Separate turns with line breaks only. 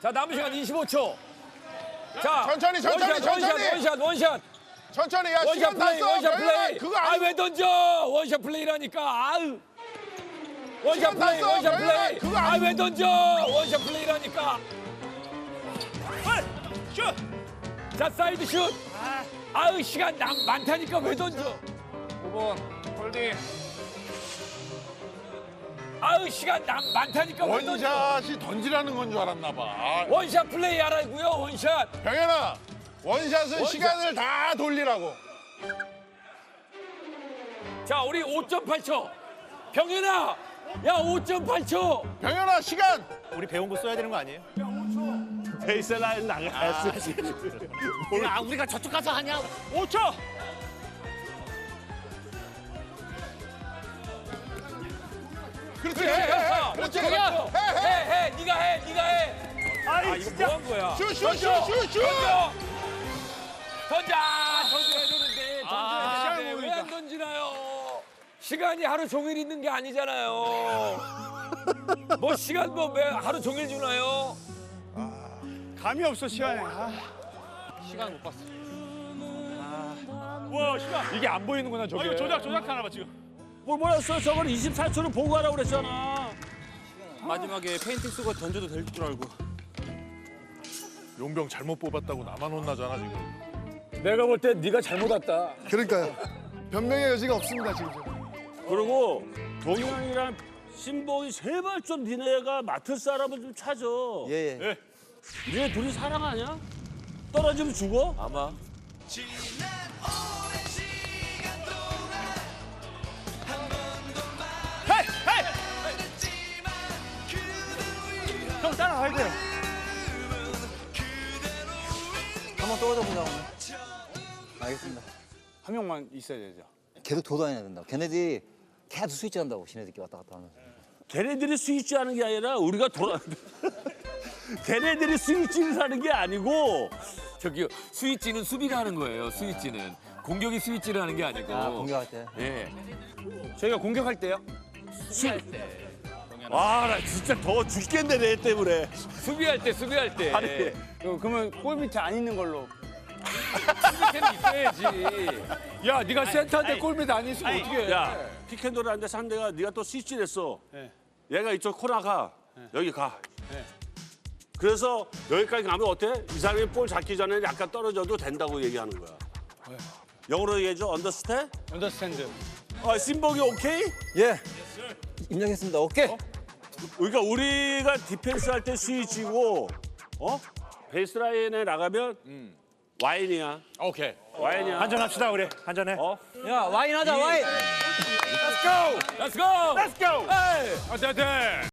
자, 남은 시간 25초. 자,
천천히,
원샷.
천천히, 야,
원샷
시간 다
플레이,
써.
원샷
병현아,
플레이.
그거
아,
아니고.
왜 던져? 원샷 플레이라니까. 아유. 원샷
시간 다
플레이,
써,
원샷
병현아,
플레이.
그거
아,
아니고.
왜 던져? 원샷 플레이라니까.
슛!
자, 사이드 슛. 아유, 시간 많다니까 왜 던져?
5번 홀딩.
아유, 시간 많다니까 왜 던져?
원샷이 던지라는 건 줄 알았나 봐.
원샷 플레이 하라고요, 원샷.
병현아, 원샷은
원샷.
시간을 다 돌리라고.
자, 우리 5.8초. 병현아, 야, 5.8초.
병현아, 시간.
우리 배운 거 써야 되는 거 아니에요?
베이스라인 나가야지.
아, 우리가 저쪽 가서 하냐? 5초.
그렇지.
해,
그렇지.
해, 네가 해.
아이
아, 이거 뭐 한 거야?
슛.
던져야 되는데
아,
왜 안 던지나요? 시간이 하루 종일 있는 게 아니잖아요. 뭐 시간 왜 하루 종일 주나요?
감이 없어 시간에.
시간 못 봤어.
와 시간.
이게 안 보이는구나 저게.
이거 조작하나 봐 지금.
뭘 몰랐어? 저건 24초를 보고 하라고 그랬잖아.
마지막에 페인팅 쓰고 던져도 될 줄 알고.
용병 잘못 뽑았다고 나만 혼나잖아 지금.
내가 볼 때 네가 잘못 왔다.
그러니까요. 변명의 여지가 없습니다 지금.
그리고 동현이랑 신봉이 제발 좀 니네가 맡을 사람을 좀 찾아.
예.
니네 둘이 사랑 아니야? 떨어지면 죽어?
아마.
형 따라가야 돼요.
한번 떨어져 보자 오늘. 알겠습니다.
한 명만 있어야 되죠.
계속 돌아다녀야 된다. 걔네들이 계속 스위치 한다고 지네들끼리 왔다 갔다 하면서.
걔네들이 스위치 하는 게 아니라 우리가 돌아. 걔네들이 스위치를 하는 게 아니고
저기 스위치는 수비가 하는 거예요. 스위치는 공격이 스위치를 하는 게 아니고.
공격할 때.
예.
저희가 공격할 때요?
아 나 진짜 더워 죽겠네 내 때문에.
수비할 때.
아니.
그러면 골 밑에 안 있는 걸로.
밑에는 있어야지. 야, 네가 센터인데 골밑 안 있으면 어떻게 해?
야 피켄돌을 하는데 상대가 네가 또 스위치를 했어. 얘가 이쪽 코너 가. 여기 가. 그래서 여기까지 가면 어때? 이 사람이 볼 잡기 전에 약간 떨어져도 된다고 얘기하는 거야. 영어로 얘기해줘. 언더스탠?
언더스탠드.
아, 신복이 오케이?
예. 인정했습니다. 오케이.
그러니까 우리가 디펜스 할 때 스위치고, 베이스라인에 나가면 와인이야.
오케이.
와인이야.
한잔합시다 우리. 한잔해.
야 와인 하자 와인.
Let's go.
Let's go.
Hey.
어때.